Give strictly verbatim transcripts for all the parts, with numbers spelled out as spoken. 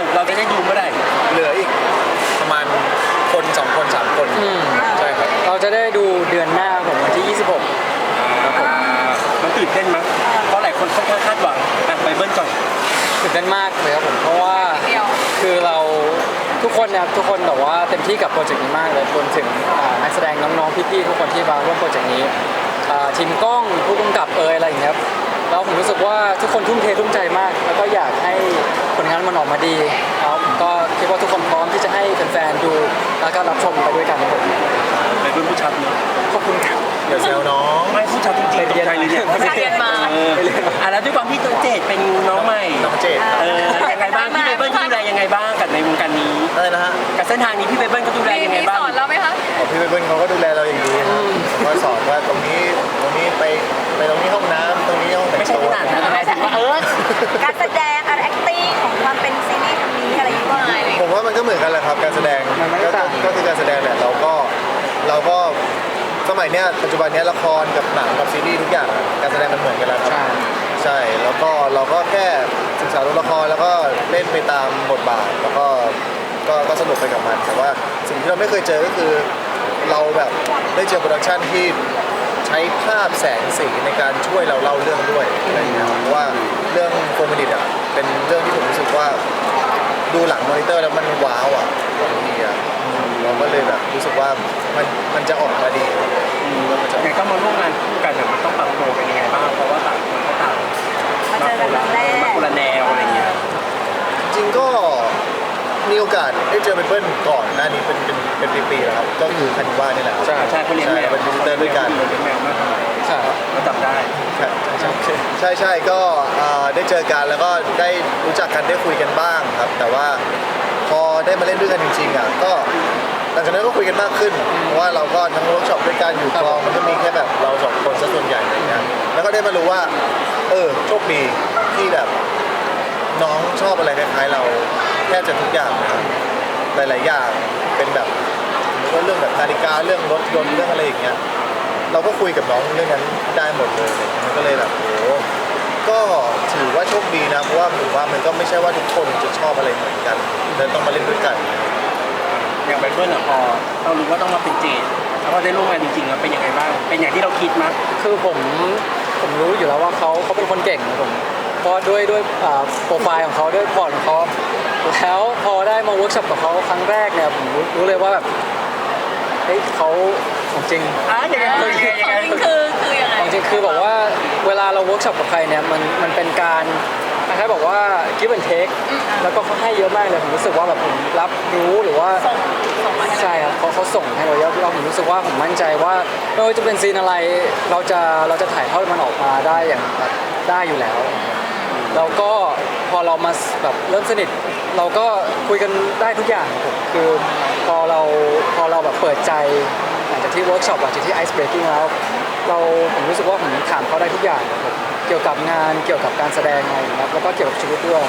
เราจะได้ดูเมื่อไหร่เหลืออีกประมาณคนสองคนสามคนใช่ครับเราจะได้ดูเดือนหน้าผมวันที่ยี่สิบหกครับผมมันตื่นเต้นมั้ยเพราะหลายคนค่อนข้างคาดหวังไปเบิ้ลก่อนตื่นเต้นมากเลยครับผมเพราะว่าคือเราทุกคนเนี่ยทุกคนแบบว่าเต็มที่กับโปรเจกต์นี้มากเลยรวมถึงนักแสดงน้องๆพี่ๆทุกคนที่มาร่วมโปรเจกต์นี้ทีมกล้องผู้กำกับเอยอะไรอย่างเงี้ยแล้วผมรู้สึกว่าทุกคนทุ่มเททุ่มใจมากแล้วก็อยากให้ผลงานมันออกมาดีแล้วผมก็คิดว่าทุกคนพร้อมที่จะให้แฟนๆดูแล้วก็รับชมไปด้วยกันครับผมไปเบิ้ลผู้ชัดเนาะขอบคุณครับอย่าแซวน้องไม่ผู้ชัดจริงๆตกใจเลยเนี่ยเรียนมาอ่ะแล้วด้วยความที่ตัวเจดเป็นน้องใหม่น้องเจดเออยังไงบ้างพี่เบิ้ลดูแลยังไงบ้างกับในวงการนี้อะไรนะฮะกับเส้นทางนี้พี่เบิ้ลก็ดูแลยังไงบ้างสอนเราไหมคะพี่เบิ้ลเขาก็ดูแลเราอย่างดีคอยสอนว่าตรงนี้ตรงนี้ไปไปตรงนี้ห้องน้ำตรงนี้ห้องแต่งตัวไม่ใช่ขนาดนั้นนะถึงว่าเออการแสดงการ acting ของความเป็นซีรีส์ทางนี้อะไรอย่างเงี้ยผมว่ามันก็เหมือนกันแหละครับการแสดงก็คือการแสดงแหละเราก็เราก็สมัยเนี้ยปัจจุบันเนี้ยละครกับหนังกับซีรีส์ทุกอย่างการแสดงมันเหมือนกันแล้วครับใช่แล้วก็เราก็แค่ศึกษาตัวละครแล้วก็เล่นไปตามบทบาทแล้วก็ก็ก็สนุกไปกับมันแต่ว่าสิ่งที่เราไม่เคยเจอก็คือเราแบบได้เจอโปรดักชันที่ใช้ภาพแสงสีในการช่วยเราเล่าเรื่องด้วยอะไรอย่างเงี้ยเพราะว่าเรื่องโฟมินิตอ่ะเป็นเรื่องที่ผมรู้สึกว่าดูหลังมอนิเตอร์แล้วมันว้าวอ่ะบางทีอ่ะเราก็เลยแบบรู้สึกว่ามันมันจะออกมาดีอย่างก็มาร่วมงานคู่กันเนี่ยมันต้องปรับตัวเป็นยังไงบ้างเพราะว่าต่างคนก็ต่างมาเจอกันครั้งแรกมาคนละแนวอะไรเงี้ยจริงก็มีโอกาสได้เจอเป็นเพื่อนก่อนหน้านี้เป็นเป็นเป็นปีๆแล้วครับก็คือคันว่านี่แหละใช่ใช่เขาเลี้ยงแมวเป็นวิสิเตอร์ด้วยกันเลี้ยงแมวมากทำไมใช่ก็จำได้ใช่ใช่ใช่ก็ได้เจอกันแล้วก็ได้รู้จักกันได้คุยกันบ้างครับแต่ว่าพอได้มาเล่นด้วยกันจริงๆอ่ะก็หลังจากนั้นก็คุยกันมากขึ้นเพราะว่าเราก็ทั้งเวิร์กช็อปด้วยกันอยู่กองมันก็มีแค่แบบเราสองคนซะส่วนใหญ่อะไรเงี้ยแล้วก็ได้มารู้ว่าเออโชคดีที่แบบน้องชอบอะไรคล้ายๆเราแทบจะทุกอย่างนะครับหลายๆอย่างเป็นแบบเรื่องแบบนาฬิกาเรื่องรถยนต์เรื่องอะไรอย่างเงี้ยเราก็คุยกับน้องเรื่องนั้นได้หมดเลยมันก็เลยแบบโอ้ก็ถือว่าโชคดีนะเพราะว่าผมว่ามันก็ไม่ใช่ว่าทุกคนจะชอบอะไรเหมือนกันเลยต้องมาเล่นด้วยกันอย่างเป็นเพื่อนอะพอเรารู้ว่าต้องมาเป็นเจดแล้วพอได้ร่วมงานจริงๆแล้วเป็นยังไงบ้างเป็นอย่างที่เราคิดมั้ยคือผมผมรู้อยู่แล้วว่าเขาเขาเป็นคนเก่งผมเพราะด้วยด้วยโปรไฟล์ของเขาด้วยพอร์ตของเขาแล้วพอได้มาเวิร์กช็อปกับเขาครั้งแรกเนี่ยผมรู้เลยว่าแบบเฮ้ยเขาของจริงอ่ะยังไงของจริงคือคือยังไงของจริงคือบอกว่าเวลาเราเวิร์กช็อปกับใครเนี่ยมันมันเป็นการคล้ายๆบอกว่า give and take แล้วก็เขาให้เยอะมากเลยผมรู้สึกว่าแบบผมรับรู้หรือว่าใช่ครับเขาเขาส่งให้เราเยอะเราผมรู้สึกว่าผมมั่นใจว่าไม่ว่าจะเป็นซีนอะไรเราจะเราจะถ่ายทอดมันออกมาได้อย่างแบบได้อยู่แล้วแล้วก็พอเรามาแบบเริ่มสนิทเราก็คุยกันได้ทุกอย่างผมคือพอเราพอเราแบบเปิดใจหลังจากที่เวิร์กช็อปหลังจากที่ไอซ์เบรกกิ้งแล้วเราผมรู้สึกว่าผมถามเขาได้ทุกอย่างเกี่ยวกับงานเกี่ยวกับการแสดงอะไรนะครับแล้วก็เกี่ยวกับชีวิตด้วย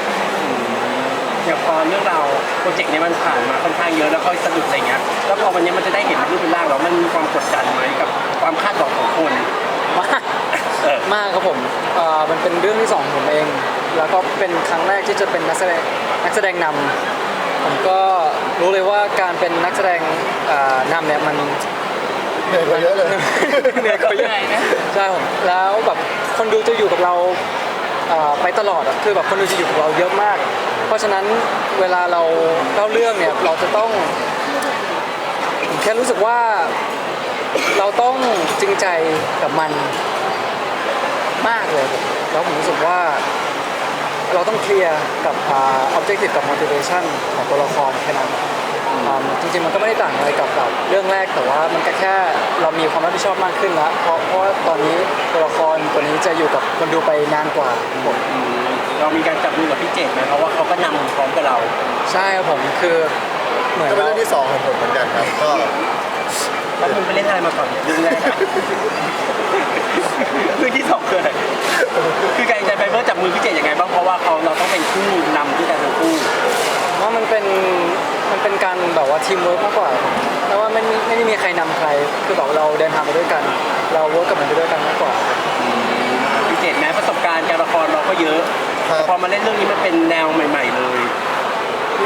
อย่างพอเรื่องเราโปรเจกต์นี้มันผ่านมาค่อนข้างเยอะแล้วค่อยสะดุดอะไรเงี้ยแล้วพอวันนี้มันจะได้เห็นรูปเป็นร่างแล้วมันมีความกดดันไหมกับความคาดหวังของคนมากมากครับผมมันเป็นเรื่องที่สองของผมเองแล้วก็เป็นครั้งแรกที่จะเป็นนักแสดงนักแสดงนำผมก็รู้เลยว่าการเป็นนักแสดงนำเนี่ยมันเหนื่อยกว่าเยอะเลยเหนื่อยกว่าเยอะใช่ผมแล้วแบบคนดูจะอยู่กับเราไปตลอดอ่ะคือแบบคนดูจะอยู่กับเราเยอะมากเพราะฉะนั้นเวลาเราเล่าเรื่องเนี่ยเราจะต้องแค่รู้สึกว่าเราต้องจริงใจกับมันมากเลยแล้วผมรู้สึกว่าเราต้องเคลียร์กับ objective กับ motivation ของตัวละครแค่นั้นจริงๆมันก็ไม่ได้ต่างอะไรกับแบบเรื่องแรกแต่ว่ามันก็แค่เรามีความรับผิดชอบมากขึ้นแล้วเพราะเพราะว่าตอนนี้ตัวละครตัวนี้จะอยู่กับคนดูไปนานกว่าผมเรามีการจับมือกับพี่เจดไหมเพราะว่าเขาก็นำพร้อมกับเราใช่ครับผมคือเหมือนเป็นเรื่องที่สองของผมเหมือนกันครับก็แล้วคุณไปเล่นอะไรมาก่อนเรื่องแรกเรื่องที่สองคืออะไรคือการใจไปเพื่อจับมือพี่เจดยังไงบ้างเพราะว่าเขาเราต้องเป็นคู่นำที่กันทั้งคู่ว่ามันเป็นมันเป็นการแบบว่าทีมเวิร์กมากกว่าแล้วว่าไม่ไม่ได้มีใครนำใครคือแบบเราเดินทางไปด้วยกันเราเวิร์กกับมันไปด้วยกันมากกว่าพี่เจดแม้ประสบการณ์การละครเราก็เยอะพอมาเล่นเรื่องนี้มันเป็นแนวใหม่ๆเลย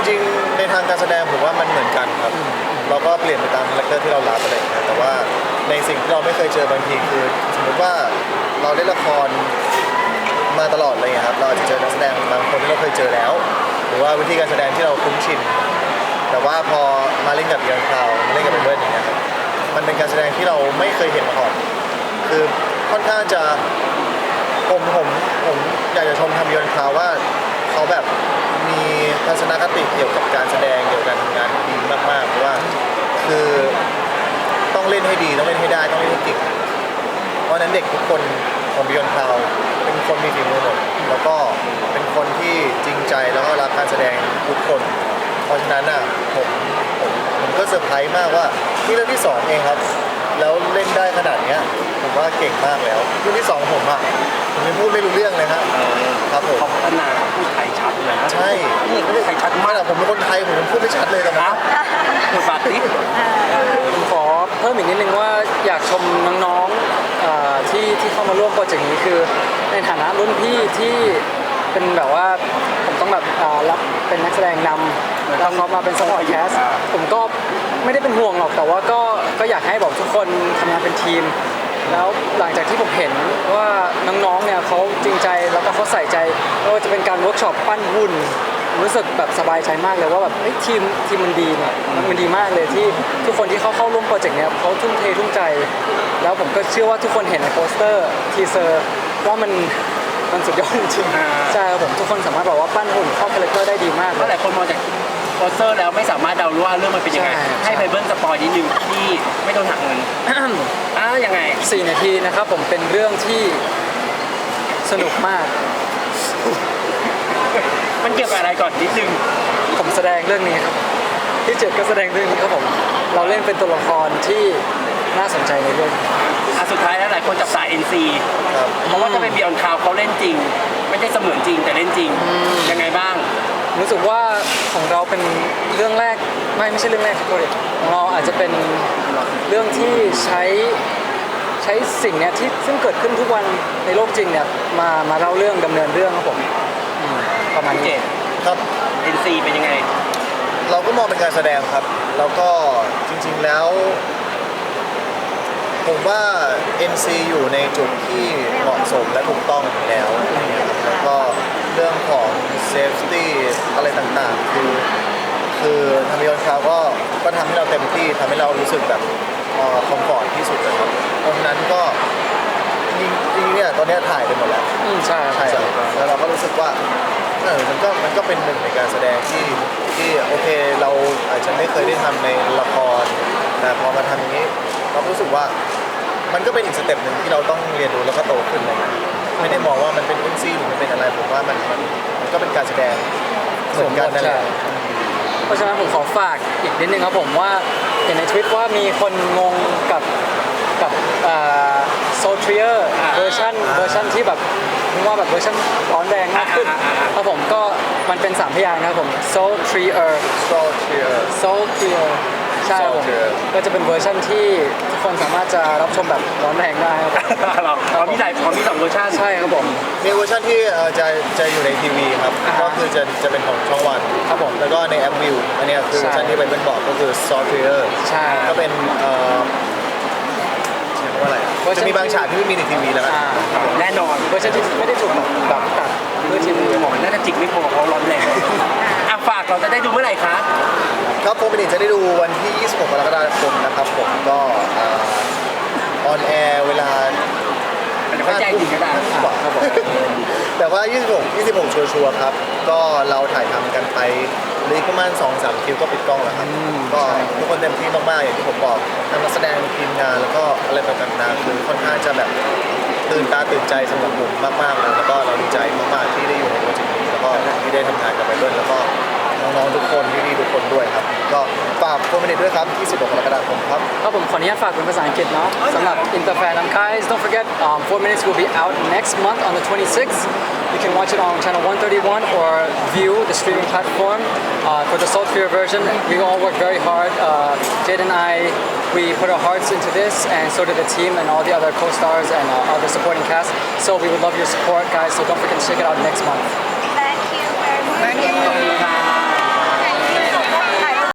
ริงๆในทางการแสดงผมว่ามันเหมือนกันครับเราก็เปลี่ยนไปตามคาแรคเตอร์ที่เรารับอะไรอย่างเงี้ยแต่ว่าในสิ่งที่เราไม่เคยเจอบางทีคือสมมติว่าเราเล่นละครมาตลอดอะไรอย่างเงี้ยครับเราอาจจะเจอนักแสดงบางคนที่เราเคยเจอแล้ว หรือว่าวิธีการแสดงที่เราคุ้นชินแต่ว่าพอมาเล่นกับเอียงคราวมาเล่นกับเบิร์ดอย่างเงี้ยครับมันเป็นการแสดงที่เราไม่เคยเห็นมาก่อนคือค่อนข้างจะผมผมผมอยากจะชมทำเอียงคราวว่าเขาแบบมีทัศนคติเกี่ยวกับการแสดงเกี่ยวกับการทำงานดีมากๆเพราะว่าคือต้องเล่นให้ดีต้องเล่นให้ได้ต้องเล่นให้เก่งเพราะฉะนั้นเด็กทุกคนของบิยอนคลาวเป็นคนมีฝีมือหมดแล้วก็เป็นคนที่จริงใจแล้วก็รักการแสดงทุกคน เพราะฉะนั้นอ่ะผมผมผมก็เซอร์ไพรส์มากว่านี่เรื่องที่สองเองครับ แล้วเล่นได้ขนาดเนี้ยผมว่าเก่งมากแล้วเรื่องที่สองผมอ่ะผมยังพูดไม่รู้เรื่องเลยครับครับผมเขาพัฒนาพูดไทยชัดนะใช่นี่เขาพูดไทยชัดไม่มากหรอกผมเป็นคนไทยผมยังพูดไม่ชัดเลยตอนนะนั้นบทบาทนี้ผมขอเพิ่มอีกนิดนึงว่าอยากชมน้องๆเอ่อที่ที่เข้ามาร่วมโปรเจกต์นี้คือในฐานะรุ่นพี่ที่เป็นแบบว่าผมต้องแบบอ่ารับเป็นนักแสดงนำแล้วเขามาเป็นสปอร์ตแคสผมก็ไม่ได้เป็นห่วงหรอกแต่ว่าก็ก็อยากให้บอกทุกคนทำงานเป็นทีม แล้วหลังจากที่ผมเห็นว่าน้องๆเนี่ยเขาจริงใจแล้วก็เขาใส่ใจไม่ว่าจะเป็นการเวิร์กช็อปปั้นหุ่นรู้สึกแบบสบายใจมากเลยว่าแบบเฮ้ยทีมทีมมันดีเนี่ยมันดีมากเลยที่ทุกคนที่เขาเข้าร่วมโปรเจกต์เนี้ยเขาทุ่มเททุ่มใจ แล้วผมก็เชื่อว่าทุกคนเห็นในโปสเตอร์ทีเซอร์ว่ามันมันสุดยอดจริงๆใช่ครับผมทุกคนสามารถบอกว่าปั้นหุ่นเข้าคาแรคเตอร์ได้ดีมากเพราะหลายคนมองจากโปสเตอร์แล้วไม่สามารถเดารู้ว่าเรื่องมันเป็นยังไงใช่ให้ไบเบิลสปอยนิดนึงที่ไม่ต้องหักเงินอ้าวยังไงสี่นาทีนะครับผมเป็นเรื่องที่สนุกมากมันเกี่ยวกับอะไรก่อนนิดนึงผมแสดงเรื่องนี้ครับที่เจ็ดก็แสดงเรื่องนี้ครับผมเราเล่นเป็นตัวละครที่น่าสนใจในเรื่องอ่ะสุดท้ายแล้วหลายคนจับสาย เอ็น ซีครับเพราะว่าถ้าเป็นบิออนคาวเขาเล่นจริง ไม่ได้เสมือนจริงแต่เล่นจริง ยังไงบ้างรู้สึกว่าของเราเป็นเรื่องแรกไม่ไม่ใช่เรื่องแรกที่โปรเจกต์ของเราอาจจะเป็นเรื่องที่ใช้ใช้สิ่งเนี้ยที่ซึ่งเกิดขึ้นทุกวันในโลกจริงเนี่ยมามาเล่าเรื่องดำเนินเรื่องครับผมอืมประมาณเจ็นี้ดครับเอ็น ซี เป็นยังไงเราก็มองเป็นการแสดงครับ แล้วก็จริงๆแล้ว ผมว่า เอ็น ซี อยู่ในจุดที่เหมาะสมและถูกต้องแล้วอะไรเงี้ยครับแล้วก็เรื่องของ safety อะไรต่างๆ คือคือทำยอนคราวก็ก็ทำให้เราเต็มที่ทำให้เรารู้สึกแบบคอมฟอร์ตที่สุดนะครับเพราะฉะนั้นก็จริงๆเนี่ยตอนเนี้ยถ่ายไปหมดแล้วอืมใช่ใช่ครับแล้วเราก็รู้สึกว่าเออมันก็มันก็เป็นหนึ่งในการแสดงที่ที่โอเคเราอาจจะไม่เคยได้ทำในละครแต่พอมาทำอย่างนี้ เรารู้สึกว่ามันก็เป็นอีกสเต็ปหนึ่งที่เราต้องเรียนรู้แล้วก็โตขึ้นอะไรเงี้ยไม่ได้มองว่ามันเป็นเอ็นซีหรือมันเป็นอะไรผมว่ามันมันมันก็เป็นการแสดงเหมือนกันนั่นแหละเพราะฉะนั้นผมขอฝากอีกนิดนึงครับผมว่าเห็นในทวิตว่ามีคนงงกับกับโซเทียร์อ่าเวอร์ชันเวอร์ชันที่แบบนึกว่าแบบเวอร์ชันร้อนแรงมากขึ้นอ่าอ่าอ่าครับผมก็มันเป็นสามพยางค์นะครับผม Soultrier Soultrier Soultrier ใช่ครับผม Soultrier ก็จะเป็นเวอร์ชันที่ทุกคนสามารถจะรับชมแบบร้อนแรงได้ครับเราเรามีหลายเขามีสองเวอร์ชันใช่ครับผมมีเวอร์ชันที่เอ่อจะจะอยู่ในทีวีครับอ่าฮะก็คือจะจะเป็นของช่องวันครับผมแล้วก็ในแอปวิวอันเนี้ยคือเวอร์ชันใช่ที่ไปเป็นบอกก็คือ Soultrier ใช่ก็เป็นเอ่อเรียกว่าอะไรอะเวอร์ชันจะมีบางฉากที่ไม่มีในทีวีแล้วกันอ่าแน่นอนเวอร์ชันที่ไม่ได้ถูกแบบแบบตัดเพื่อทีวีหมอน่าจะจิกไม่พอเขาร้อนแรงอ่ะฝากเราจะได้ดูเมื่อไหร่คะครับผมเป็นจะได้ดูวันที่ ยี่สิบหก กรกฎาคมนะครับผมก็ออนแอร์เวลามันจะเข้าใจจริงก็ได้กว่าครับผมแต่ว่า ยี่สิบหก ยี่สิบหก ชัวร์ๆครับ ก็เราถ่ายทำกันไปเหลืออีกประมาณ สองสาม คิวก็ปิดกล้องแล้วครับ ก็ทุกคนเต็มที่มากๆอย่างที่ผมบอกทั้งนักแสดงทีมงานแล้วก็อะไรต่างๆคือค่อนข้างจะแบบตื่นตาตื่นใจสำหรับผมมากๆเลยแล้วก็เราดีใจมากๆที่ได้อยู่ในโปรเจกต์นี้แล้วก็ที่ได้ทำงานกับไปด้วยแล้วก็น้องๆทุกคนพี่ๆทุกคนด้วยครับก็ฝากโฟร์มินิทด้วยครับ ยี่สิบหก กรกฎาคมครับครับผมขออนุญาตฝากเป็นภาษาอังกฤษเนาะสำหรับ Interfan and guys don't forget um, four minutes will be out next month on the twenty-sixth you can watch it on channel one thirty-one or view the streaming platform uh, for the Soultrier version we all work very hard uh, Jade and I we put our hearts into this and so did the team and all the other co-stars and uh, other supporting cast so we would love your support guys so don't forget to check it out next month